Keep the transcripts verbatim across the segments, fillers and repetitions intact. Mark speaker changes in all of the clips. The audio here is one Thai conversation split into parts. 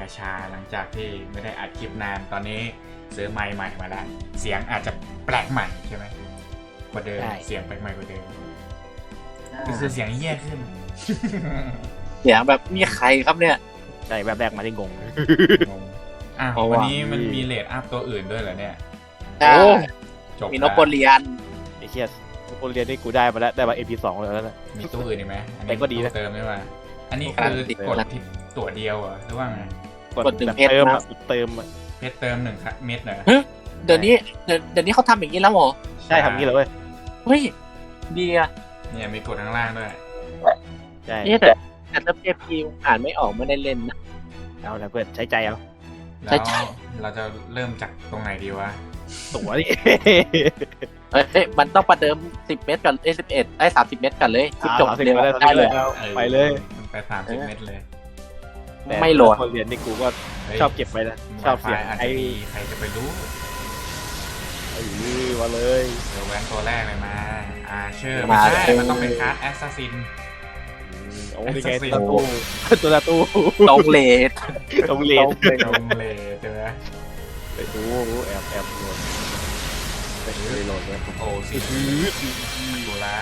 Speaker 1: ชาหลังจากที่ไม่ได้อัดคลิปนานตอนนี้ซื้อไมค์ใหม่มาแล้วเสียงอาจจะแปลกใหม่ใช่ไหมกว่าเดิมเสียงแปลกใหม่กว่าเดิมก็คือเสียงแย่ขึ้น
Speaker 2: เสียงแบบมีใครครับเนี่ย
Speaker 3: ใช่แบบแรกมาได้งง
Speaker 1: งงอ่ะ
Speaker 2: เพราะ
Speaker 1: วัน
Speaker 2: ว่า
Speaker 1: นี้มันมีเลดอัพตัวอื่นด้วยเหรอเนี่ย
Speaker 2: ใช่
Speaker 1: จบ
Speaker 2: มีน
Speaker 1: แล้
Speaker 2: ก
Speaker 1: ว
Speaker 2: โปเลียน
Speaker 3: ไอ้เหี้ยคนเรียนนี่กูได้มาแล้วได้มา เอ็ม พี สองแล้วนะ
Speaker 1: มีตัวอื่นอีกไหมอัน
Speaker 3: แต่
Speaker 1: นี้
Speaker 3: ก็ดีนะ
Speaker 1: เติมไม่มาอันนี้คือกดที่ตัวเดียวเหรอหรือว่าไง
Speaker 2: กดหนึ่ง
Speaker 3: แบบ
Speaker 2: เพชร
Speaker 3: เติม
Speaker 2: นะ
Speaker 3: อะเติมอะ
Speaker 1: เพชรเติมหนึ่งเม็ดเหรอ
Speaker 2: เดี๋ยวนี้เดี๋ยวเดี๋ยวนี้เขาทำอย่างนี้แล้วเหรอ
Speaker 3: ใช่ทำงี้เลยเว้ย
Speaker 2: เฮ้ยดีอะ
Speaker 1: เนี่ยมีกดข้างล่างด้วย
Speaker 3: ใช่
Speaker 2: นี่แต่แต่ถ้าเอฟพีอ่านไม่ออกไม่ได้เล่นนะ
Speaker 3: เอาละเพื่อนใช้ใจเอา
Speaker 1: แล้
Speaker 2: ใช่
Speaker 1: ว
Speaker 2: ใช่
Speaker 1: เราจะเริ่มจากตรงไหนดีวะ
Speaker 3: ตั๋วนี่
Speaker 2: เฮ้ยเฮ้ยมันต้องประเดิมสิบเมตรก่อนเอ้สิบเอ็ดไอ้สามสิบเมตรก่อนเลยคลิปจบ
Speaker 3: สามสิบ
Speaker 2: เร็ว
Speaker 3: ไปเลย
Speaker 2: ได้เลย
Speaker 3: ไปเลย
Speaker 1: มันไปสามสิบเม็ดเลย
Speaker 2: ไม่โหลด
Speaker 3: คนเรียนนี่กูก็
Speaker 1: ฮ้ย
Speaker 3: ชอบเก็บไปนะชอบเสียง
Speaker 1: อาจ
Speaker 3: ไอ้
Speaker 1: จะมีใครจะไปรู้
Speaker 3: ไอ้มาเลย
Speaker 1: เดี๋ยวแวนตัวแรกเลยมาอาเชอร์
Speaker 2: มา
Speaker 1: ไม่ใช่
Speaker 2: เลย
Speaker 1: มันต้องเป็นคาร์ดแอสซัสซิน
Speaker 3: โอ้นี่ไง
Speaker 1: Assassin
Speaker 3: ตัวตู้ตัวตู้
Speaker 2: ตรงเลท
Speaker 3: ตรงเรียน
Speaker 1: ตรงเลยเจอไหม
Speaker 3: ไปดูแอบแอบโหลดไปดูโหลดเลย
Speaker 1: โอ้สิดูละ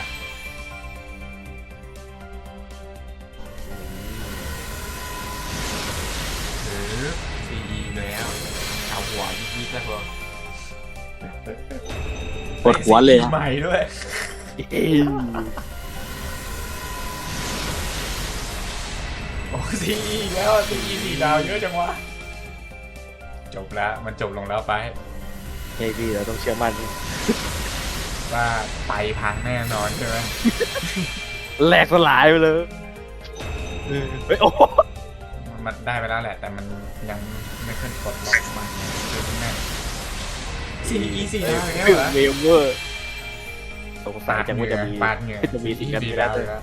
Speaker 1: หรือซีอีแล้วเอาหัวยิกๆแล้วพอ
Speaker 2: ปวดหัวเลย
Speaker 1: ใหม่ด้วย โอ้ซีอีแล้วซีอีสี่ดาวเยอะจังวะจบแล้วมันจบลงแล้วไป
Speaker 3: เฮ้ยพี่เราต้องเชื่อมั่น
Speaker 1: ว่าไตพังแน่นอนใช่ไหม
Speaker 3: แหลกสลายไปเลยเฮ้ยโอ้
Speaker 1: มันได้ไปแล้วแหละ แต่มันยังไม่ขึ้นกดล็อกมาคือแม่ซีอีสี่ดาวอย่างเงี้ยเหรอ
Speaker 3: เวเวอร์สงสัยจังว่าจะมี
Speaker 1: ปาดเหงื่อ
Speaker 3: จะมีสิ่งนั้น
Speaker 1: สี่
Speaker 3: ไม่ได้
Speaker 1: ดาวแล้ว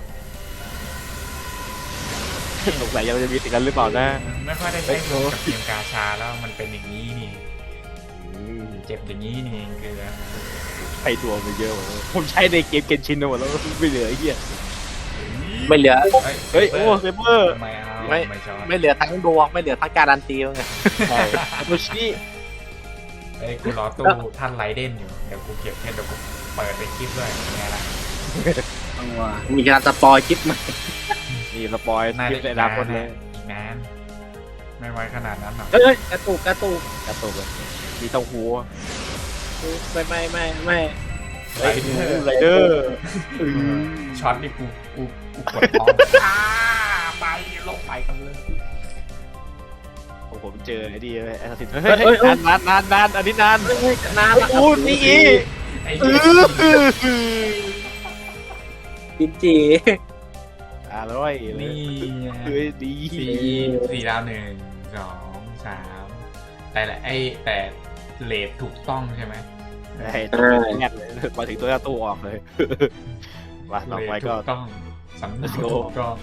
Speaker 3: สงสัยยังจะมีสิ่งนั้นหรือเปล่านะ
Speaker 1: ไม่ค่อยได้ใช้โลกับเกมกาชาแล้วมันเป็นอย่างนี้นี่เจ็บอย่างนี้นี่เองคือ
Speaker 3: ใช้ตัวไปเยอะหมดเลยผมใช้ในเกมเกนชินหมดแล้วไม่เหลือไอ้เหี้ย
Speaker 2: ไม่เหลือ
Speaker 3: เฮ้ยโอ้เซเบอร์
Speaker 1: ไม่เอา
Speaker 2: ไม่
Speaker 1: ไม่ชอบ
Speaker 2: ไม่เหลือทั้งดวงไม่เหลือทั้งการันตีไง
Speaker 3: ใช่โมชิ
Speaker 1: ไอ้ยกูรอตู้ท่านไรเด่นอยู่เดี๋ยวกูเก็บแค่เดี๋ยวกูเปิดไปคลิปด้วยยังไงล่ะ
Speaker 2: มีการสปอยคลิปมา
Speaker 3: นี่สปอย
Speaker 1: น่า
Speaker 3: คลิ
Speaker 1: จะ
Speaker 3: ปใน
Speaker 1: อี
Speaker 3: อก นา
Speaker 1: นา
Speaker 3: คน ตเลย
Speaker 1: อีกนานไม่ไว้ขนาดนั้นหรอก
Speaker 2: เฮ้ยกระตุกกระตุก
Speaker 3: กระตุกเลยมีเต้าหู้
Speaker 2: ไม่ไม่ไม่ไม่
Speaker 3: เฮ้ยไรเดอร์
Speaker 1: ช็อตนี่กูกูกูกดออฟอ่าไปลงไปกันเลย
Speaker 3: โอ้ผมเจอไอ้ดีแอสซิสเฮ้ยนานนานนานนานอันนี้นาน
Speaker 2: เฮ้ยนานละ
Speaker 3: โอ้นี่อี
Speaker 1: ไอ้
Speaker 3: เอ
Speaker 1: เหี้ย
Speaker 3: อ
Speaker 2: จินจี
Speaker 3: อร่อยเลย
Speaker 1: นี่ไง
Speaker 3: เฮ้ยดี
Speaker 1: สี่สี่ดาวหนึ่งสองสามแต่ละไอ้แต่เลทถูกต้องใช่ไหม
Speaker 3: ไอ้ตัวแรกเลยมาถึงตัวตู้ออกเลยมาต่อไปก็
Speaker 1: ถูกต้องสำเนาถูกต้อง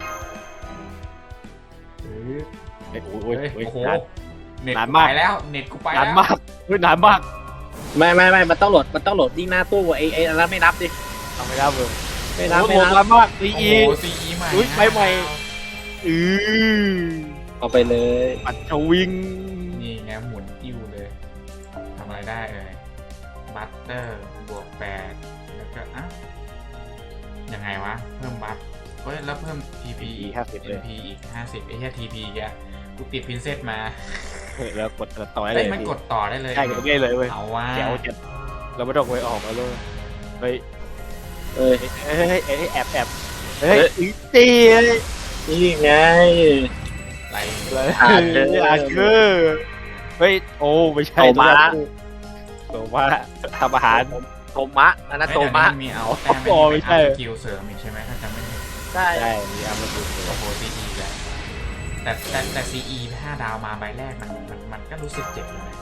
Speaker 1: เฮ้ย
Speaker 3: ไอ้โอ้
Speaker 1: โอ้
Speaker 3: ย
Speaker 1: ย
Speaker 3: โอ้ย
Speaker 1: โอ้โห
Speaker 3: นาน
Speaker 1: เน็ต
Speaker 3: นาน
Speaker 1: กู
Speaker 3: มาก
Speaker 1: ไปแล้วเน็ตกูไป
Speaker 3: นาน
Speaker 1: แล้ว
Speaker 3: มากเฮ้ยนานมาก
Speaker 2: ไม่ไม่ไม่มันต้องโหลดมันต้องโหลดยิ่งหน้าตู้ไอ้ไอ้อันนั้นไม่นับดิ
Speaker 3: ทำไม่ได้เลย
Speaker 2: ไม่นับ
Speaker 3: โอ้
Speaker 2: ไม่
Speaker 3: โห
Speaker 2: นับ
Speaker 3: นานมากซี
Speaker 1: โอ้
Speaker 3: อี
Speaker 1: โหซีอีใหม่
Speaker 3: อุ๊ยไปใหม่ อือ
Speaker 2: เอาไปเลย
Speaker 3: ปัดชวิง
Speaker 1: นี่ไงหมุนติ้วเลยทำอะไรได้เอ่ยบัตเตอร์บวกแปดแล้วก็อ่ะยังไงวะเพิ่มบัตเฮ้ยแล้วเพิ่ม ที พี
Speaker 3: อี
Speaker 1: อีก
Speaker 3: ห้าสิบเลย
Speaker 1: เอ็ม พี อีกห้าสิบไอ้แค่ ที พี แกกูติดพินเซตมา
Speaker 3: แล้วกดต่อได้เล
Speaker 1: เฮ้ย
Speaker 3: ย
Speaker 1: มันกดต่อได้เลย
Speaker 3: ใช่กดง่ายเลยเว้ย
Speaker 1: เอาว่า
Speaker 3: แจ๋วจัดเราไม่ต้องไปออกมาเลยเฮ้ย
Speaker 2: เอ้ย
Speaker 3: เฮ้ยเฮ้ยเฮ้ยแอบแอบเฮ้ยอีตีเฮ้ย
Speaker 2: นี่ไง
Speaker 1: ไร
Speaker 3: เลย
Speaker 2: อาเธอ
Speaker 3: อาเธอเฮ้ยโอ้ไม่ใช่
Speaker 2: โตมะ
Speaker 3: โตมาทำอาหาร
Speaker 2: โตมะอันนั้นโตมะ
Speaker 1: เดี๋ยวนี้นมีเอาแต้ม
Speaker 3: โอ้ไม่ใช่
Speaker 1: สกิลเสริมอีกใช่ไหมถ้าจำไม่ผิด
Speaker 2: ได้
Speaker 3: ใช่มีอามาดู
Speaker 1: โอ้โหซีอีแล้วแต่แต่แต่ซีอีห้าดาวมาใบแรกมันมันมันก็รู้สึกเจ็บอยู่นะ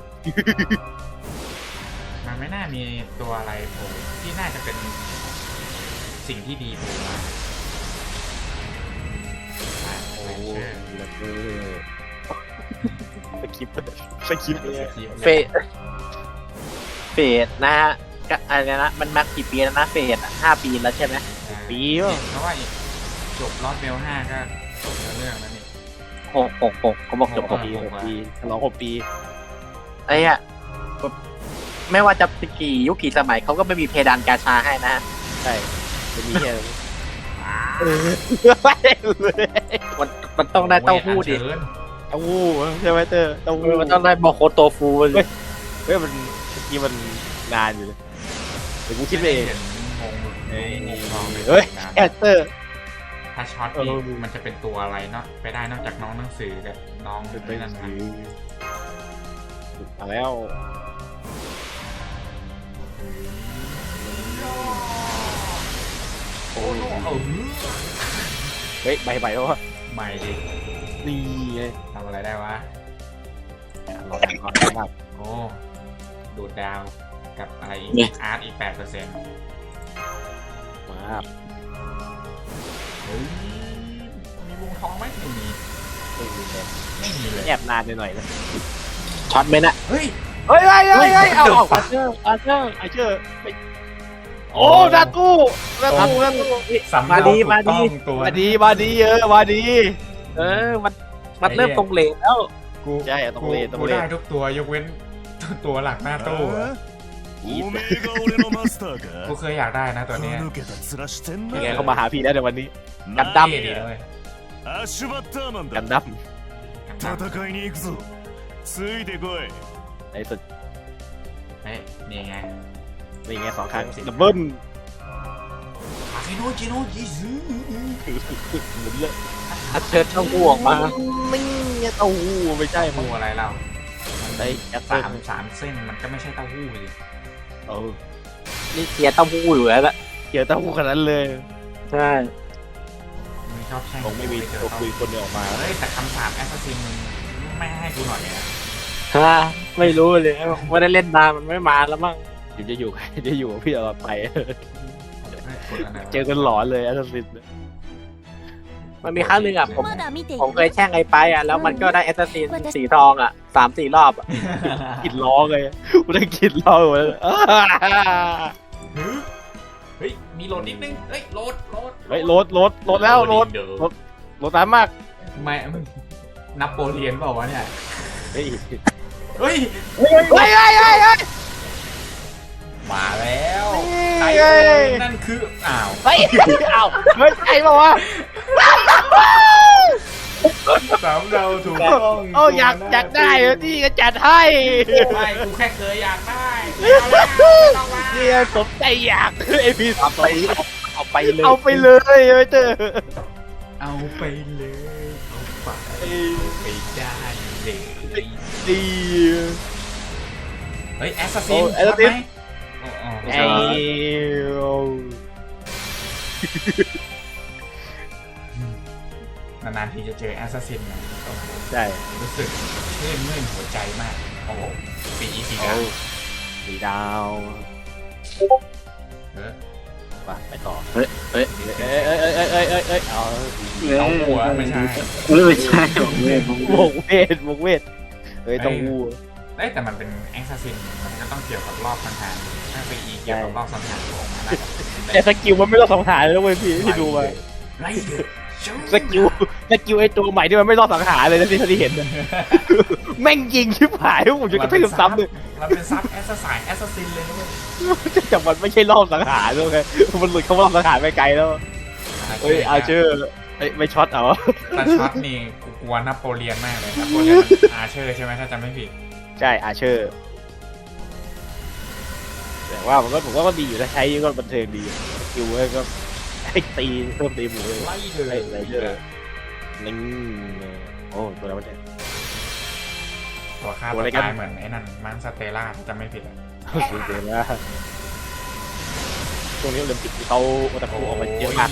Speaker 1: มันไม่น่ามีตัวอะไรโผล่ที่น่าจะเป็นสิ่งที่ดีโผล่มาอ่ะ
Speaker 3: โอ้
Speaker 1: แมนเชอร์
Speaker 3: แล้วก็สกิปสกิปเนี่ย
Speaker 2: เฟสเฟสนะฮะก็อะไรนะมันมากี่ปีแล้วนะเฟสอะห้าปีแล้วใช่ไหม
Speaker 3: ปี
Speaker 1: เห็
Speaker 3: วะ
Speaker 1: นเพราะว่าอีกจบรอดเบลห้าก็จบเนื้อเรื่องแล้วนี่
Speaker 2: อหกหกหกเขาบอกจบหก
Speaker 3: ปีหกปีฉลองหกปี
Speaker 2: ไอ้อะไม่ว่าจะกี่ยุคกี่สมัยเขาก็ไม่มีเพดานกาชาให้นะ
Speaker 3: ใช่จะมีแค่เออ
Speaker 2: มันมันต้องได้เต้าหู้ดิ
Speaker 1: โอ้ยอัญเชิญ
Speaker 3: เต้าหู้ใช่ไหมเตอร์เต้าหู้
Speaker 2: มันต้องได้โมโคโตฟูเลย
Speaker 3: เฮ้ยมันเมื่อกี้มันนานอยู่เลยเดี๋ยวกูคิดไปเอง
Speaker 1: เห็นงงเฮ้ยงงลองเลย
Speaker 3: เฮ้ย
Speaker 1: นะ
Speaker 3: แอดเตอร์
Speaker 1: ถ้าช็อตนี่มันจะเป็นตัวอะไรเนาะไปได้นอกจากน้องหนังสือกับน้อง
Speaker 3: เป็น
Speaker 1: นั่นนะ
Speaker 3: มาแล้ว
Speaker 1: โอ้โหเอา
Speaker 3: เฮ้ยใบใบแล้ววะ
Speaker 1: ใหม่ดิ
Speaker 3: นี่ไง
Speaker 1: ทำอะไรได้วะ
Speaker 3: เราแต่งความสามารถ
Speaker 1: โอ้ดูดดาวกับอะไรอีกอาร์ตอีกแปดเปอร์เซ็นต์
Speaker 3: มา
Speaker 1: เฮ้ยมีวงทองไหมไม่มี
Speaker 3: ไม่มีเลย
Speaker 1: ไม่มีเลย
Speaker 3: แอบนานหน่อยนะ
Speaker 2: ช็อตไหมนะ
Speaker 1: เฮ้ย
Speaker 3: เฮ้ยเฮ้ยเฮ้ยเฮ้ยเอาเอาอาเชอร์อาเชอร์อาเชอร์โอ้ดาตู้ดาตู้ดาตู้
Speaker 1: สำเนาถูกต้องตัว
Speaker 3: มาดีมาดีเออมาดี
Speaker 2: เออมันมันเริ่มตรงเลนแล้ว
Speaker 1: กู
Speaker 3: ใช่ต้องเล่นต้อง
Speaker 1: กู
Speaker 3: เล่น
Speaker 1: ได้ทุกตัวยกเว้นตัวหลักหน้าตู้อะ
Speaker 4: おめえが俺のマスター
Speaker 1: กู
Speaker 4: か
Speaker 1: เคยอยากได้นะตัวเนี้ย
Speaker 4: 抜けた面してん
Speaker 3: ยังไง
Speaker 4: な
Speaker 3: เขามาหาพี่แล้วในวันนี้
Speaker 2: กันดั้ม
Speaker 1: เท่ดีเลย
Speaker 4: アッシュバッターマン
Speaker 3: กัน
Speaker 4: だ
Speaker 3: ดั้ม
Speaker 4: 戦いに行くぞついてこい
Speaker 3: ในสุด
Speaker 1: เฮ้ยนี่ไง
Speaker 3: นี่ไงสองครั้งดับเบิ้ล
Speaker 1: คาเฟโนจิโนจิซึ
Speaker 3: หมุนเลย
Speaker 2: อัดเชิญเต้าหู้ออกมา
Speaker 3: นี่ไงเต้าหู้ไม่ใช่
Speaker 1: เต้า
Speaker 3: มึง
Speaker 1: หู้อะไรเรา
Speaker 3: ไอ้แอป
Speaker 1: สา
Speaker 3: เปิ้
Speaker 1: ม
Speaker 3: ล
Speaker 1: สามเส้นมันก็ไม่ใช่เต้าหู้สิ
Speaker 3: เออ
Speaker 2: นี่เทียร์เต้าหู้อยู่แล้วละ
Speaker 3: เกี่ยวเต้าหู้ขนาดนั้นเลย
Speaker 2: ใช่
Speaker 1: มึงชอบแช่ง
Speaker 3: คงไม่มี
Speaker 1: เจอ
Speaker 3: ตัว
Speaker 1: เต้า
Speaker 3: คุยคนเดียวออกมา
Speaker 1: เฮ้ยแต่คำสาปแอสซัสซินมึงไม่ให้กูหน่อยนะ
Speaker 2: ฮะไม่รู้เลยไม่ได้เล่นนานมันไม่มาแล้วมั้ง
Speaker 3: เดี๋ยวจะอยู่จะอยู่กับพี่ตลอดไป
Speaker 1: กดอันไหนวะ
Speaker 3: เจอกันหลอนเลยแอสซัสซิน
Speaker 2: มันมีครั้งหนึ่งอ่ะผม
Speaker 5: まだ見てい
Speaker 2: ผม
Speaker 5: る
Speaker 2: เคยแช่งไอ้ไปอ่ะแล้วมันก็ได้แอสซัสซินสีทองอ่ะสามสี่รอบอ่ะ
Speaker 3: กินล้อเลยกูได้กินล้อหมดแล้ว
Speaker 1: เฮ้ยมีโหลดนิดนึงเฮ้ยโหลดโหลด
Speaker 3: เฮ้ยรถรถรถแล้วรถ
Speaker 1: เดี๋ยว
Speaker 3: รถ รถตามมาก
Speaker 1: ไม่นับโปเลียนเปล่าวะเนี่ย
Speaker 3: เฮ้ย
Speaker 1: เฮ้ย
Speaker 3: เฮ้ยเฮ้ยเฮ้ยเฮ้ย
Speaker 1: มาแล้ว
Speaker 3: นี่
Speaker 1: ไอ้
Speaker 3: ไง
Speaker 1: นั่นคืออ้าว
Speaker 3: เฮ้ยเอ้าเฮ้ยไอ้บอกว่า
Speaker 1: สามเราถูกต้อง
Speaker 3: โอ้อยากอยากได้เหรอนี่ก็จัดให้
Speaker 1: ไม่กูแค่เคยอยากได้ไม่เอาแล้วไม่ต้องมา
Speaker 3: เนี่ยสมใจอยากไอพี่
Speaker 2: เอาไปเอาไปเลย
Speaker 3: เอาไปเลยไม่เจอ
Speaker 1: เอาไปเลยเอาไปไปได้เลย
Speaker 3: ดี
Speaker 1: เฮ้ยแอสซัสซิ
Speaker 3: โอ้
Speaker 1: น
Speaker 3: แอสซัสซิน
Speaker 1: ใช่ไหม
Speaker 3: ไอ้
Speaker 1: นานๆทีจะเจอแอสซัสซินนะโอ้โห
Speaker 3: ใช่
Speaker 1: รู้สึกชื่นมื่นหัวใจมากโอ้โหปีอีสีดาว
Speaker 3: สีดาว
Speaker 1: เออ
Speaker 3: ไปไปต่อ
Speaker 2: เฮ้ยเฮ้ย
Speaker 3: เอ้ยเอ้ยเอ้ยเอ้ยเอ้ยเอ้ยเอา
Speaker 1: เอาหัวไม่ใช่
Speaker 2: ไม่ใช่ผมเว้ย
Speaker 3: วงเวทวงเวทเอ้ยต้องวู
Speaker 1: เอ้ยแต่มันเป็นแอสซัสซินมันก็ต้องเกี่ยวกับรอบสังหารถ้าปีอีเกี่ยวกับรอบสังหารของมันนะ
Speaker 3: แต่สกิลมันไม่ต้องสังหารเลยเว้ยพี่ที่ดูมา
Speaker 1: ไล่เดือด
Speaker 3: สกิลสกิลไอตัวใหม่ที่มันไม่รอดสังหารเลยนะที่ที่เห็นนะแม่งยิงชิบหายผมจะกระทืบซ้ำเลย
Speaker 1: มันเป็นซับแอสซัสแอสซัสซินเลยนะเว้ย
Speaker 3: แต่มันไม่ใช่รอบสังหารด้วยไงมันหลุดเข้ารอบสังหารไปไกลแล้วเฮ้ยอาเชอร์เฮ้ยไม่ช็อตเอา
Speaker 1: แต่ช็อตนี่กูกลัวนโปเลียนมากเลยนโปเลียนมันอาเชอร์ใช่ไหมถ้าจำไม่ผิด
Speaker 3: ใช่อาเชอร์แต่ว่ามันก็ผมว่าก็ดีอยู่นะใช้ก็บันเทิงดีสกิลก็ให้ตีเพิ่มตีหมูเลย
Speaker 1: ไล่เดือด
Speaker 3: ไอ้ไรเดอร์ลิงโอ้ตัวอะไรวะเนี่ย
Speaker 1: ตัวฆ่า
Speaker 3: ตั
Speaker 1: ตัว ว
Speaker 3: อะไรกัน
Speaker 1: ตายเหมือนไอ้นั่นมันสเตล่าถ้าจำไม่ผิดอะ
Speaker 3: สุดเลยนะช่วงนี้โอลิมปิกเขาโอตาคุออกมาเยอะมาก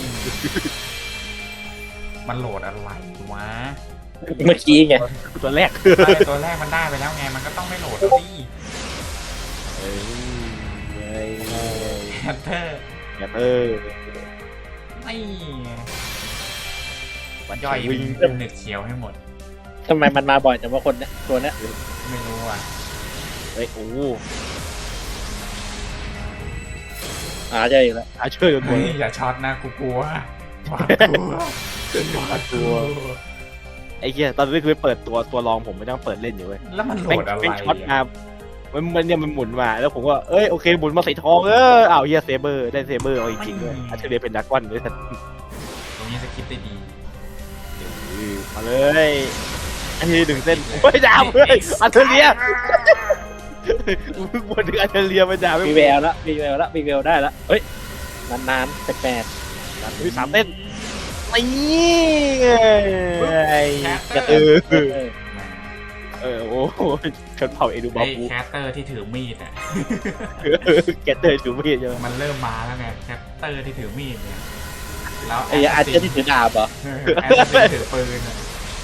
Speaker 1: มันโหลดอะไรวะ
Speaker 2: เมื่อกี้ไง
Speaker 3: ตัวแรก
Speaker 1: ใช่ตัวแรกมันได้ไปแล้วไงมันก็ต้องไม่โหลดแล้วดิ
Speaker 3: เอ้ยเอ้ย
Speaker 1: แฮตเตอร์
Speaker 3: อย่าเออ
Speaker 1: ไม่
Speaker 3: มัน
Speaker 1: ย่อย
Speaker 3: วิ่ง
Speaker 1: เป็นเน็ตเขียวให้หมด
Speaker 2: ทำไมมันมาบ่อยแต่ว่าคนเนี้ยตัวเนี้ย
Speaker 1: ไม่รู้อ่ะ
Speaker 3: เฮ้ยโอ้
Speaker 2: อ่าเจออีกแล้ว
Speaker 3: อาเชอร์จนหม
Speaker 1: เฮ้
Speaker 3: ด
Speaker 1: ยอย่าช็อตนะกูกลัวหวาดกลัวหวาดกลัว
Speaker 3: ไอ้เหี้ยตอนนี้คือเปิดตัวตัวรองผมไม่ต้องเปิดเล่นอยู่เว้ย
Speaker 1: แล้วมันโหล
Speaker 3: แม่ง
Speaker 1: ดอะไร
Speaker 3: แม่งช็อตมามันมันเนี่ยมันหมุนมาแล้วผมก็เอ้ยโอเคหมุนมาใส่ทองเอออ้าวเฮียเซเบอร์ได้เซเบอร์เอาจริงๆด้วยอัจฉริยะเป็นดากอนด้วยท่าน
Speaker 1: ตรงนี้สคริปต์ได้ดี
Speaker 3: มาเลยอันนี้หนึ่งเส้นโอ้ยดาวเฮ้ยอัจฉริยะมึงบนถึงอัจฉริยะมันดาวไม่
Speaker 2: มีแววละมีแววละมีแววได้ละเฮ้ยนานๆแปลก
Speaker 3: มีสามเส้นนี่ไงกระตือเออโอ้โหชนเผ่าเอดูบา
Speaker 1: ไอ้
Speaker 3: บู
Speaker 1: แคสเตอร์ที่ถือมีดอ่ะ
Speaker 3: แกเตอร์จูมีใช่ไหม
Speaker 1: มันเริ่มมาแล้วไงแคสเตอร์ที่ถือมีดเนี่ยแล้ว
Speaker 2: ๆไอ้อาเจนที่ถือดาบเหรอ
Speaker 1: แอสซินถือปืนอะ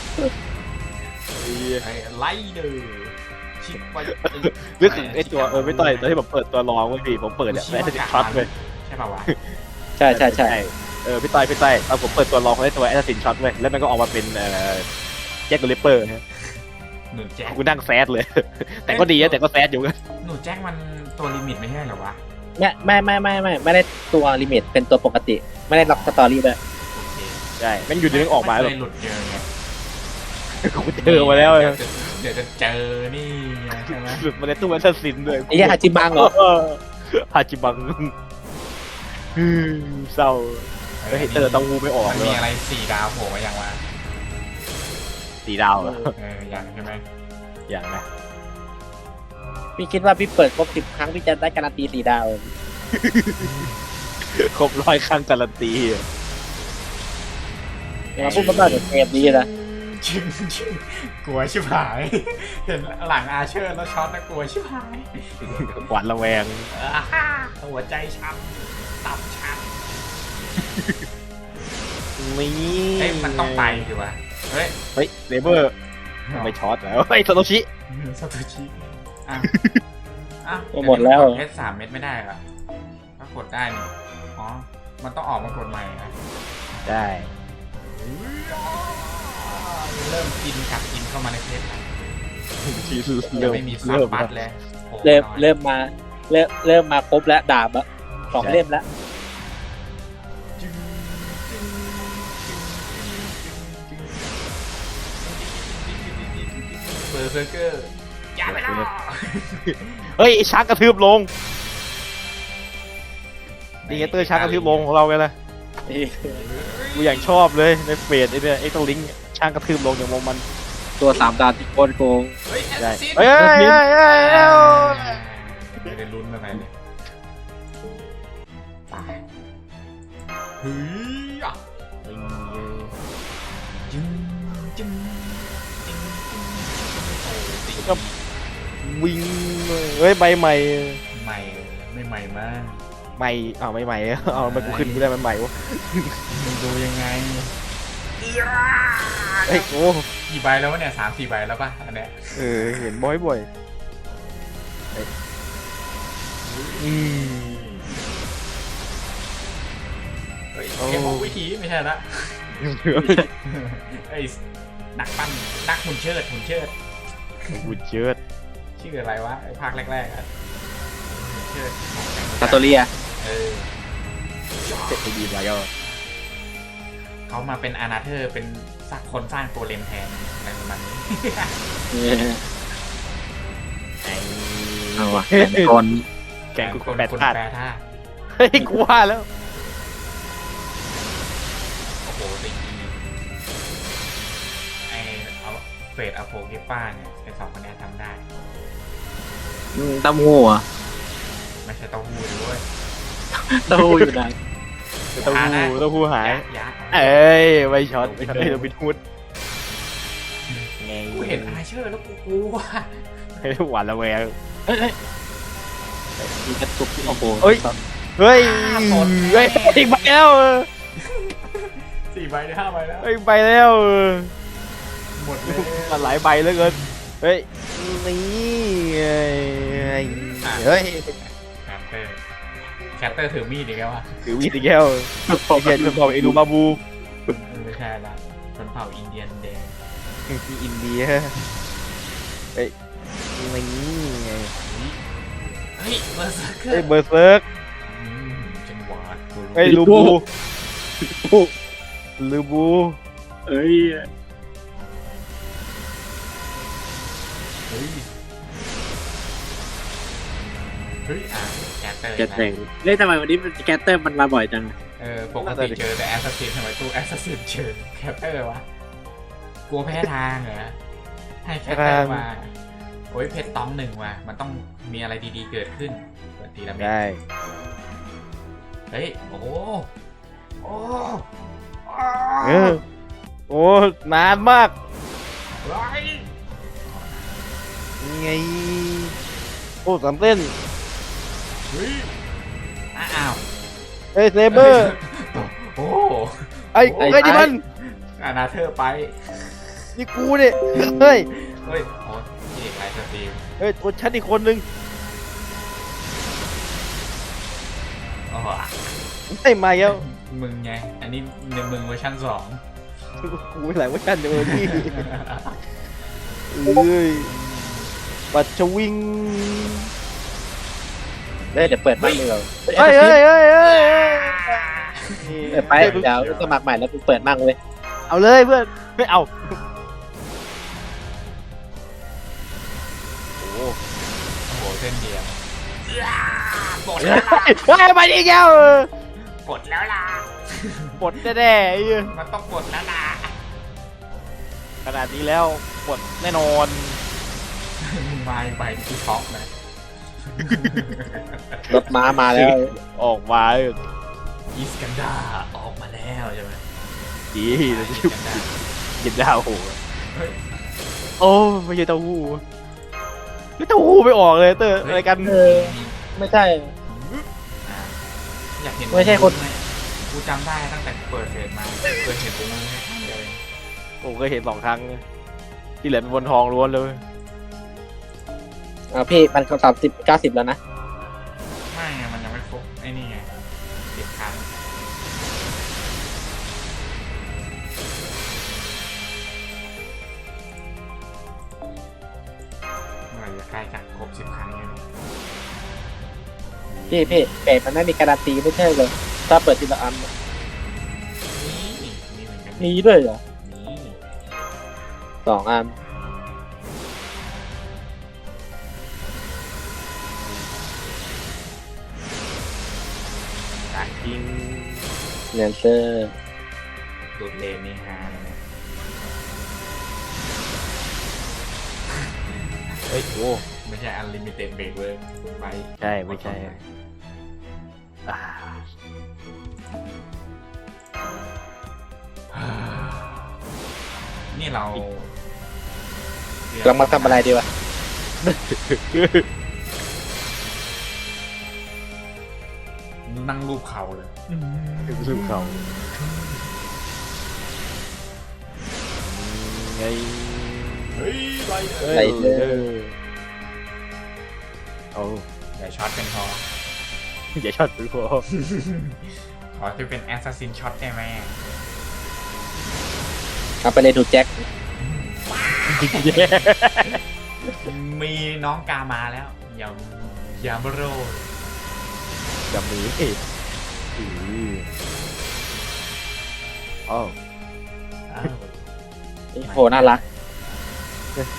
Speaker 1: ไอ้ไล่เด้อชิบไป
Speaker 3: นึกถึงไอ้ตัวเออไม่ต่อยตอนที่ผมเปิดตัวรองเว้ยพี่ผมเปิดเนี่ยแล้วจะช็อตเลย
Speaker 1: ใช่ป่าวะ
Speaker 2: ใช่ใช่ใช่
Speaker 3: เออพี่ต้อยพี่ต้อยตอนผมเปิดตัวรองเขาได้ตัวแอสซินช็อตเว้ยแล้วมันก็ออกมาเป็นเอ่อแจ็คเดอะริปเปอร์
Speaker 1: หนูแจ็ค
Speaker 3: กูนั่งแซดเลย แต่ก็ดีนะแต่ก็แซดอยู่กัน
Speaker 1: หนูแจ็คมันตัวลิมิตไม่ใช่เหรอวะ
Speaker 2: ไม่ไม่ไม่ไม่ไม่ไม่ได้ตัวลิมิตเป็นตัวปกติ ไม่ได้ล็อกสตอรี่ด้วย
Speaker 1: โอเค
Speaker 3: ใช่แม่งอยู่ดีแม่งออกมา
Speaker 1: เล
Speaker 3: แบบ
Speaker 1: ยหลุดเจอไง
Speaker 3: กูเจอมาแล้ว
Speaker 1: เดี๋ยวจะเดี๋ยวจะเจอนี่ไงใช่ไหม
Speaker 3: หลุดมาในตู้แอสซินด้วย
Speaker 2: ไอ้เหี้ยฮาจิบังเหรอ
Speaker 3: ฮาจิบังอืมเศร้าแล้วเฮเตอร์ต้องวูไม่ออก
Speaker 1: มัน
Speaker 3: เลย
Speaker 1: มี
Speaker 3: ว่ะ
Speaker 1: อะไรสี่ดาวโผล่มายังวะ
Speaker 3: สีดาวเหรอ
Speaker 1: เออยังใช่ไหม
Speaker 3: อย่างนะ
Speaker 2: พี่คิดว่าพี่เปิดครบสิบครั้งพี่จะได้การันตีสี่ดาว
Speaker 3: ครบร้อยครั้งการันตี
Speaker 2: มาพูดมาบ้างเดี๋ยวเกมนี้นะ
Speaker 1: ชิงชิงกลัวชิบหาย เห็นหลังอาเชอร์แล้วช็อตนะกลัวชิบหาย
Speaker 3: หวาดระแวง
Speaker 1: อ่าฮ่าหัวใจช้ำตับช้ำ
Speaker 3: นี่
Speaker 1: เอ้ยมันต้องไปดิวะเฮ้ย
Speaker 3: เฮ้ยเลเบอร์ไม่ช็อตแล้วเฮ้ยโซโตชิ
Speaker 1: ซาโตชิอ่ะอ่ะ
Speaker 2: หมดแล้ว
Speaker 1: เพชรสามเม็ดไม่ได้เหรอถ้ากดได้นี่อ๋อมันต้องออกมากดใหม่นะ
Speaker 3: ได้
Speaker 1: เริ่มกินกลับกินเข้ามาในเพชรแล้ว
Speaker 3: ที
Speaker 1: ยังไม่มีซับบัตเลยโอ้
Speaker 2: เริ่ม
Speaker 1: น้อย
Speaker 2: เริ่มมาเริ่มเริ่มมาครบแล้วดาบอะสองเล่มแล้ว
Speaker 1: จึ๊งจึ๊งจึ๊งจึ๊งจึ๊งเบอร์เซอร์เกอร์อย่าไปแล้ว
Speaker 3: เฮ้ยไอ้ช้างกระทืบลงดีเงเตอร์ช้างกระทืบลงของเราไงล่ะกูอย่างชอบเลยในเฟสไอ้เนี่ยไอ้ตัวลิงก์ช้างกระทืบลงอย่างมองมัน
Speaker 2: ตัวสามดาวที่โคตรโกง
Speaker 1: เฮ้ย
Speaker 3: ได้
Speaker 1: ซิน
Speaker 3: เฮ้ยเฮ้ยเฮ้ยเฮ้ยเฮ้ย
Speaker 1: ไม่ได้ลุ้นอะไรเลยตายเฮ้ยอ่ะจึงจึงจึงจึงโอ้ตี
Speaker 3: วิ่งเลยเฮ้ยใบใหม่
Speaker 1: ใหม่ไม่ใหม่มาก
Speaker 3: ใหม่อ้าวไม่ใหม่เอามันกูขึ้นกูได้มันใหม่วะ
Speaker 1: มึงดูยังไง
Speaker 3: เฮ้ยโอ้
Speaker 1: กี่ใบแล้ววะเนี่ยสามสี่ใบแล้วป่ะอันเนี้ย
Speaker 3: เออเห็นบ่อยบ่อยเฮ้ยอืม
Speaker 1: เฮ้ยเกมของวิธีไม่ใช่ละไอ้นักปั้นนักหุ่นเชิดหุ่นเชิด
Speaker 3: บุญเชิด
Speaker 1: ชื่ออะไรวะไอ้ภาคแรกๆอ่ะหุ่นเชิดของแข่ง
Speaker 2: ซาโตเรีย
Speaker 1: เออ
Speaker 3: เจ็ดดีไปก็
Speaker 1: เขามาเป็นอานาเธอร์เป็นสักคนสร้างตัวเลนแทนอะไรประมาณนี้
Speaker 3: ไอ้
Speaker 2: เอาวะเป็นคน
Speaker 3: แกงกู
Speaker 1: คน
Speaker 3: แปด
Speaker 1: คน
Speaker 3: พลาด
Speaker 1: แปรท่า
Speaker 3: เฮ้ยกูว่าแล้ว
Speaker 1: โอ้โหตีไอเอาเฟดอะโพกิป้าเนี่ยไอสองคนเนี้ยทำได้
Speaker 2: เต้าหู้อ่ะ
Speaker 1: ไม่ใช่เต้าหู้ด้วย
Speaker 2: เต้าหู้อยู่ไหน
Speaker 3: เต้าหู้เต้าหู้หาย
Speaker 1: ยะ
Speaker 3: เอ้ยไม่ช็อตไม่ช็อตให้เราไปทูดไง
Speaker 1: กูเห็นอาเชอร์แล้วกูกลัว
Speaker 3: ให้หวานระแวง
Speaker 2: มีกระตุกโอ้โห
Speaker 3: เฮ้ย เฮ้ยเฮ้ยอีกใบแล้ว
Speaker 1: สี่ใบได้ห้าใบแล้ว
Speaker 3: เฮ้ยใบแล้ว
Speaker 1: หมดเลย
Speaker 3: มันหลายใบเหลือเกินเฮ้ยนี่ไงเฮ้ย
Speaker 1: แคตเตอร์แคตเตอร์ถือมีดอีกแล้ววะ
Speaker 3: ถือวีดอีกแล้วไอ้เหี้ยจะบอกไอ้ดูมาบู
Speaker 1: ไม่ใช่ละชนเผ่าอินเดียนแดง
Speaker 3: ที่อินเดียเฮ้ยนี่ไง
Speaker 1: เฮ้ยเบอร์เซอร์เกอ
Speaker 3: เฮ้ย
Speaker 1: ร์
Speaker 3: เบอร์เซิร์ก
Speaker 1: จังหวะ
Speaker 3: เฮ้ยลูบูลูบู
Speaker 2: เอ้ย
Speaker 1: ฮ้ยเฮ้ยอ่ะแคตเตอร์
Speaker 2: แกเต็งเล่นทำไมวันนี้แกเตอร์มันมาบ่อยจัง
Speaker 1: เออปกติเจอแต่แอสซัสซินทำไมตู้แอสซัสซินเจอแคตเตอร์วะกลัวแพ้ทางเหรอให้แคตเตอร์มาโอ้ยเพชรต้องหนึ่งว่ะมันต้องมีอะไรดีๆเกิดขึ้นเปิดทีละเม็ด
Speaker 3: ได้
Speaker 1: เฮ้ยโอ้โหโอ้
Speaker 3: เออโอ้นานมาก
Speaker 1: ไร
Speaker 3: ยังไงโอ้สามเส้น
Speaker 1: เฮ้ยอ้าว
Speaker 3: เฮ้ยเซเบอร์
Speaker 1: โอ้
Speaker 3: ไอ้ไอ้นี่มัน
Speaker 1: อานาเธอร์ไป
Speaker 3: นี่กูเนี่ยเฮ้ย
Speaker 1: เฮ้ยโอ้นี่ไลฟ์สตรีม
Speaker 3: เฮ้ยตัวฉันอีกคนนึง
Speaker 1: อ๋อ
Speaker 3: ไม่มาแล้ว
Speaker 1: มึงไงอันนี้ในมึงเวอร์ชันสอง
Speaker 3: กูไม่หลายเว่ากันเดี๋ยวนี่เอ้ยปัดชวิง
Speaker 2: เดี๋ยวเปิดบ้านเลยเหรอ
Speaker 3: เฮ้ยเฮ้ยเฮ้ยเฮ้ย
Speaker 2: เปิดไปเดี๋ยวสมัครใหม่แล้วกูเปิดมั่งเลย
Speaker 3: เอาเลยเพื่อนไม่เอาโอ้โห
Speaker 1: โอ้โหเส้นเดียวปลด
Speaker 3: เฮ้
Speaker 1: แล้วล่ะ
Speaker 3: ยเฮ้ยไปอีกแล้ว
Speaker 1: ปลดแล้วล่ะ
Speaker 3: ปลดแน่ๆไอ้เหี้ย
Speaker 1: มันต้องปลดแล้วล่ะ
Speaker 3: ขนาดนี้แล้วปลดแน่นอน
Speaker 1: มึงมาอีกใบที่ช็อกนะ
Speaker 2: รถม้ามาแล้ว
Speaker 3: ออกมา
Speaker 1: อีสกันดาออกมาแล้วใช่ไหม
Speaker 3: ดี
Speaker 1: อี
Speaker 3: นะ
Speaker 1: ส
Speaker 3: ที่
Speaker 1: กันดา
Speaker 3: กินดาวโห
Speaker 1: เฮ้ย
Speaker 3: โอ้ไม่ใช่เต้าหู้ไม่เต้าหู้ไม่ออกเลยเตอร์อะไรกัน
Speaker 2: เออ ไม่ใช่
Speaker 1: อ่ะอยากเห็น
Speaker 2: ไม่ใช่คน
Speaker 1: กูจำได้ตั้งแต่เปิดเฟซมาเคยเห็นผมมึงแค่ครั้งเดียวเอง
Speaker 3: ผมก็เห็นสองครั้งที่เหลือเป็นบนทองล้วนเลย
Speaker 2: อ่าพี่มันก็สามสิบเก้าสิบแล้วนะ
Speaker 1: ไม่ไงมันยังไม่ครบไอ้นี่ไงสิบครั้งเมื่อไหร่จะใกล้จะครบสิบครั้งเนี่ย
Speaker 2: พี่พี่เป๊มันไม่มีการันตีไม่ใช่เลยถ้าเปิดทีละอัน
Speaker 1: นี่นี่เหมือนกัน
Speaker 2: มีด้วยเหรอ
Speaker 1: นี่
Speaker 2: สองอัน
Speaker 1: ได้
Speaker 3: จริง
Speaker 2: เลนเซอร์
Speaker 1: ดูดเลนนี่ฮาเลยนะ
Speaker 3: เฮ้ยโอ้
Speaker 1: ไม่ใช่ unlimited break เว้ยไป
Speaker 3: ใช่ไม่ใช่อ่า
Speaker 1: นี่เรา
Speaker 2: เรามาทำอะไรดีวะ
Speaker 1: นั่งรูปเข่าเลย
Speaker 3: ซึ่งเขาไง
Speaker 1: เฮ้ยไร
Speaker 2: ไรเดอร์
Speaker 3: เอา
Speaker 1: อย่าช็อตเป็นพอ
Speaker 3: อย่าช็อตไปพอ
Speaker 1: ขอที่เป็นแอสซัสซินช็อตได้ไหม
Speaker 2: เอาไปเลยถูกแจ็ค
Speaker 1: มีน้องกามาแล้วยำยำโร
Speaker 3: อย่ามีอืออ้าว
Speaker 1: อ้าว
Speaker 2: โหน่ารัก
Speaker 3: โอ้โห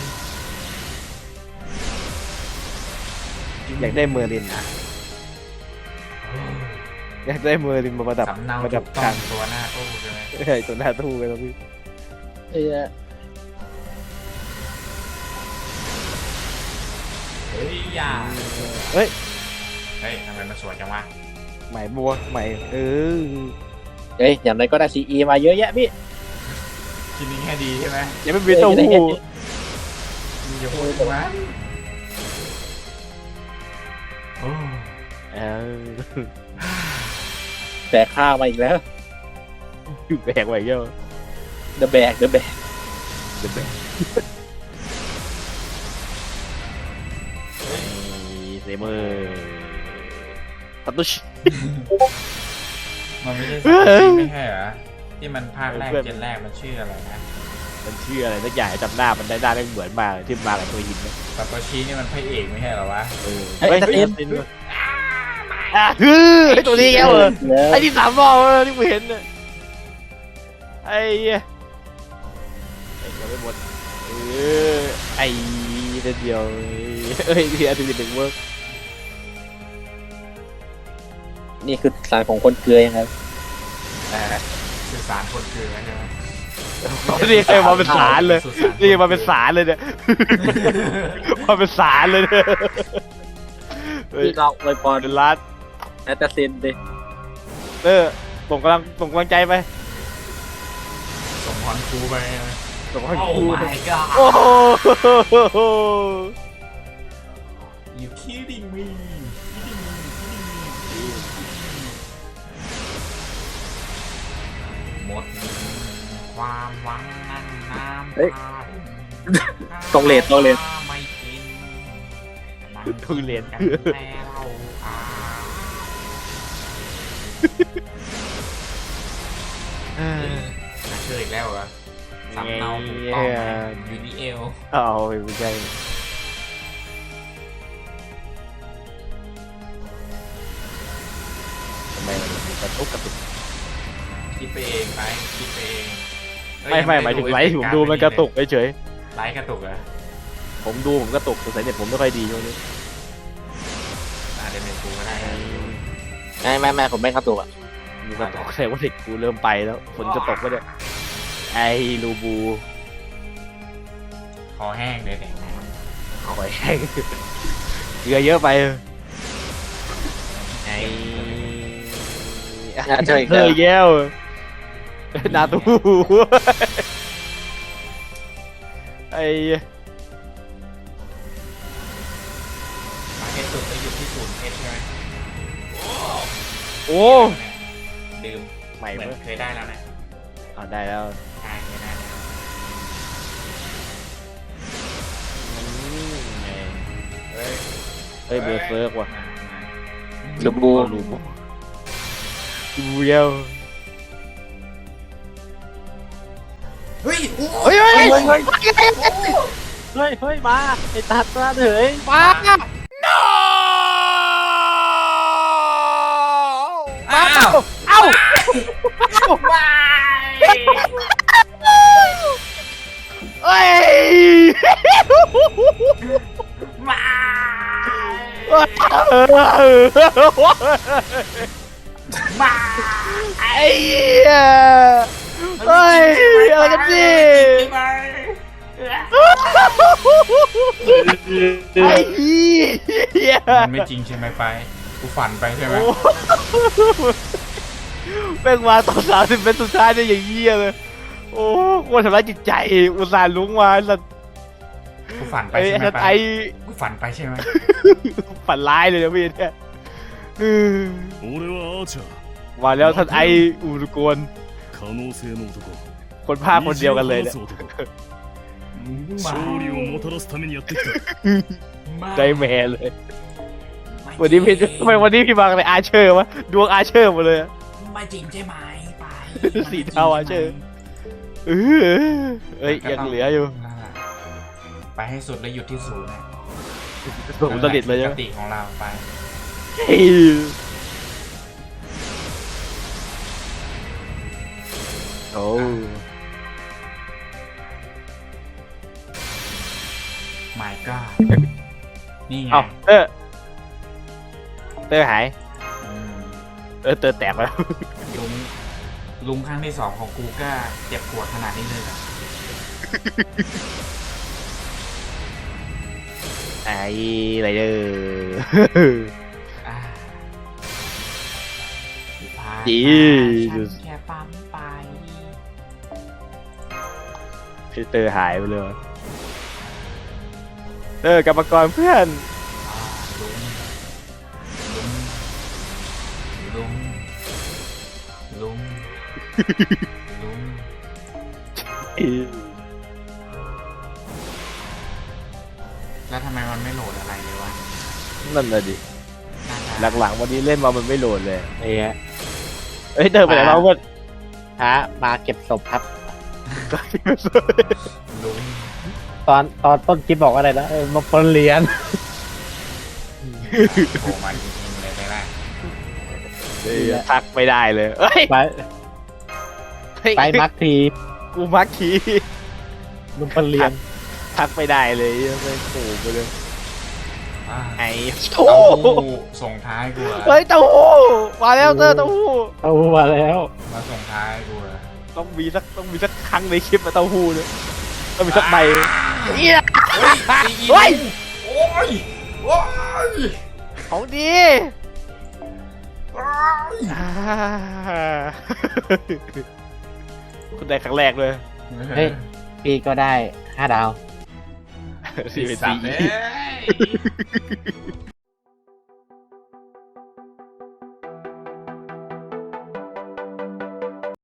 Speaker 3: อยากได้เมอร์ลินนะอยากได้เมอร์ลินมาประดับ
Speaker 1: สำเนา
Speaker 3: ประ
Speaker 1: ถู
Speaker 3: ดับ
Speaker 1: กต้อ
Speaker 3: กาง ร
Speaker 1: ตัวหน้าตู้ใช่ไหม
Speaker 3: ใช่ตัวหน้าทู่กันแล้วพี่
Speaker 2: เอ้ย
Speaker 1: เฮ้ยอย่า
Speaker 3: เฮ้ย
Speaker 1: เฮ้ยทำไมมันสวยจังวะ
Speaker 3: ใหม่บัวใหม่เออ
Speaker 2: เฮ้ยอย่างไรก็ได้ซีอีมาเยอะแยะพี่
Speaker 1: ทีนี้แค่ดีใช่ไหม
Speaker 3: ยังไม่มีเต้าหู้
Speaker 1: มีอย่าพูดถึงมันโอ้
Speaker 3: เออ
Speaker 2: แบกข้าวมาอีกแล้ว
Speaker 3: อยู่แบกไว้เยอะ
Speaker 2: เดอะแบกเดอะแบก
Speaker 3: เดี๋ยวแบกเซเมอร์ตัดตุช
Speaker 1: มันไม่ใช่สัตว์จริงไม่ใช่เหรอที่มันภาคแรก
Speaker 3: เพื่อน
Speaker 1: เจนแรกมันชื่ออะไรนะ
Speaker 3: มันชื่ออะไรสักอย่างจำหน้ามันได้หน้าได้เหมือนมากที่มากับตัวหินนะ
Speaker 1: ซาโตชินี่มันพระเอกไม่ใช่เหรอวะ
Speaker 3: เออ
Speaker 2: เฮ้ย
Speaker 3: เฮ้ย
Speaker 2: ตัด
Speaker 3: เฮ้ย
Speaker 2: เอ็น
Speaker 3: เฮ้ยอ่ะฮือไอตัวนี้แกเหรอไอที่สามรอบแล้วที่กูเห็นเนี่ยไอ้เหี้ยไอ้ยังไม่หมดเอเออไอ้เดียวเอ้ยที่อาทิตย์หนึ่งเวิร์ก
Speaker 2: นี่คือสารของคนเกลือยังไง
Speaker 1: สื่อสารคนเกลือใช่ไหม
Speaker 3: นี่ไงมาเป็นสารเลยนี่มาเป็นสารเลยเนี่ยมาเป็นสารเลยเนี่ยเฮ้ย
Speaker 2: ที่เราอวยพร
Speaker 3: เป็นรัด
Speaker 2: แอตตาเซนดิ
Speaker 3: เออส่งกำลังส่งกำลังใจไป
Speaker 1: ส่งพรครูไปนะ
Speaker 3: ส่งกำลัง
Speaker 1: โอ้
Speaker 3: ใจ
Speaker 1: my god
Speaker 3: โอ้โห
Speaker 1: you kidding me kidding me kidding me หมดความหวังนั่งน้ำตา
Speaker 2: ตรงเลนตรงเลน
Speaker 1: ไม่กินมัน
Speaker 3: ทุเรียน
Speaker 1: กันแน่เราอ่าเชื่ออีกแล้วเหรอสำเนาถูกต้องไหมยูนิเอล
Speaker 3: เอาไม่ใช่ทำไมมันมีกระตุกกระตุก
Speaker 1: คิดไปเองไปคิดไปเองเอ้
Speaker 3: ไม่ไม่หมายถึงไลฟ์ผมดูมันกระตุกเฉย
Speaker 1: ไลฟ์กระตุกเหรอ
Speaker 3: ๆผมดูผมกระตุกสงสัยเน็ตผมไม่ค่อยดีช่วงนี้
Speaker 1: อาจจะเป็นกูก็ได้นะ
Speaker 2: ไม่ไม่ไม่ผมไม่เข้าตัวอ่ะ
Speaker 3: มีกระตุกแสดงว่าเด็กกูเริ่มไปแล้วฝนจะตกก็เนี่ยไอ้ลูบู
Speaker 1: คอแห้งเลยแต่งงาน
Speaker 3: หอยแห้งเกลือเยอะไปไอ้
Speaker 2: อ่ะเจออีก
Speaker 3: เฮ้
Speaker 2: แล้ว
Speaker 3: ยแก้วนาตูไอ้
Speaker 1: มาเก็ตสุดไปหยุดที่ศูนย์เพชรใช่ไหม
Speaker 3: โอ้
Speaker 1: ดื่ม
Speaker 3: ใหม่
Speaker 1: เหมือน
Speaker 3: เมื่อ
Speaker 1: เคยได้แล้วนะ
Speaker 3: เอาได้แล้ว
Speaker 1: ใช่เคยได้แล้ว เฮ้ย
Speaker 3: เฮ้ยเบอร์เซิร์กว่ะ
Speaker 1: มามา
Speaker 2: ลูบู
Speaker 3: ลูบูลูบูเยล
Speaker 1: เฮ้ยโอ้
Speaker 3: เฮ้ยเฮ้ยเฮ้ย
Speaker 2: เฮ้ยเฮ้ยมาไอ้ตัดมาเถย
Speaker 3: มา
Speaker 1: อ้าว
Speaker 3: เอ้า
Speaker 1: ไม่
Speaker 3: เอ้ย
Speaker 1: ไม่ ไม่
Speaker 3: ไอ้เหี้ยเฮ้ยอะไรกันดิไอ้เหี้ย
Speaker 1: มันไม่จริงใช่ไหมไปกูฝันไปใช่ไหม
Speaker 3: โอ้แม่งมาตอนสามสิบเป็นสุดท้ายเนี่ยอย่างเหี้ยเลยโอ้โคตรทำร้ายจิตใจอุตส่าห์ลุ้งมาแล้ว
Speaker 1: กูฝันไป
Speaker 3: ไอ้
Speaker 1: ใช่ไหมไป
Speaker 3: ไอ้
Speaker 1: กูฝันไปใช่ไหม
Speaker 3: ฝันร้ายเลยนะพี่เนี่ยอืม
Speaker 4: 俺はアーチャー
Speaker 3: มาแล้วท่านไออูรุโกน
Speaker 4: 可能性の男
Speaker 3: คนภาคคนเดียวกันเลยเนี่ย
Speaker 4: 虹を放つ男勝利をもたらすためにやってきた
Speaker 3: ใจแม่เลย วันนี้พี่ทำไมวันนี้พี่มาอะไรอาเชอร์วะดวงอาเชอร์หมดเลยอะ
Speaker 1: ไม่จริงใช่ไหมไป
Speaker 3: สีเทาอะเชอร์ เออเอ้ยยังเหลืออยู่
Speaker 1: ไปให้สุดแล้วหยุดที่ศูนย์นะ
Speaker 3: ผมตลิดเลย
Speaker 1: ป
Speaker 3: ใช่
Speaker 1: ก
Speaker 3: ไหม
Speaker 1: ติของเราไป
Speaker 3: เฮ้ยโอ้
Speaker 1: my god นี่ไง
Speaker 3: เอ้าเตอร์เตอร์หาย
Speaker 1: อืม
Speaker 3: เออเตอร์แตกแล้ว
Speaker 1: ลุงลุงครั้งที่สองของกูก็เจ็บปวดขนาดนี้เลยเหรอ
Speaker 3: ไอ้อะไรเด้อ
Speaker 1: อ่าที่ผ่านมา
Speaker 3: ดี
Speaker 1: ฉันแค่ปั๊มไป
Speaker 3: พี่เตอร์หายไปเลยวะเตอร์กรรมกรเพื่อน
Speaker 1: อ่าลุงลุงลุงลุงลุงแล้วทำไมมันไม่โหลดอะไรเลยวะ
Speaker 3: นั่นน่ะดิ
Speaker 1: น่าจะ
Speaker 3: หลังๆวันนี้เล่นมามันไม่โหลดเลยไอ้เงี้ยเอ้ยเตอร์ไปไหนมาเพื่อน
Speaker 2: ฮะมาเก็บศพครับ
Speaker 1: ลุง
Speaker 2: ตอนตอนต้นคลิปบอกว่าอะไรนะเออมาปนเหรียญ
Speaker 1: โผล่มาจริงๆเลยไปละ
Speaker 3: เฮ้ยทักไม่ได้เลยเอ้ย
Speaker 2: ไป
Speaker 3: เฮ้ย
Speaker 2: ไปมักที
Speaker 3: กูมักคี
Speaker 2: ลุงปนเหรียญ
Speaker 3: ททักไม่ได้เลยไม่โผล่ไปเลย
Speaker 1: อ่า
Speaker 3: ไอ้
Speaker 1: เต้า
Speaker 3: โอ้
Speaker 1: หู้ส่งท้ายกูเหรอ
Speaker 3: เฮ้ยเต้าหู้มาแล้วเตอร์เต้าหู้
Speaker 2: เอามาแล้ว
Speaker 1: มาส่งท้ายกูเหรอ
Speaker 3: ต้องมีสักต้องมีสักครั้งในคลิปมาเต้าหู้เนี่ยต้องมีสักใบเฮีย
Speaker 1: เฮ้ย
Speaker 3: เฮ้ย
Speaker 1: โอ้ยโอ้ย
Speaker 3: ของดี
Speaker 1: โอ้ย
Speaker 3: อ่าคุณได้ครั้งแรกเลย
Speaker 2: เฮ้ยพี่ก็ได้ห้าดาว
Speaker 3: สี่เป็น
Speaker 1: สัต
Speaker 3: สี่
Speaker 1: ว์เลย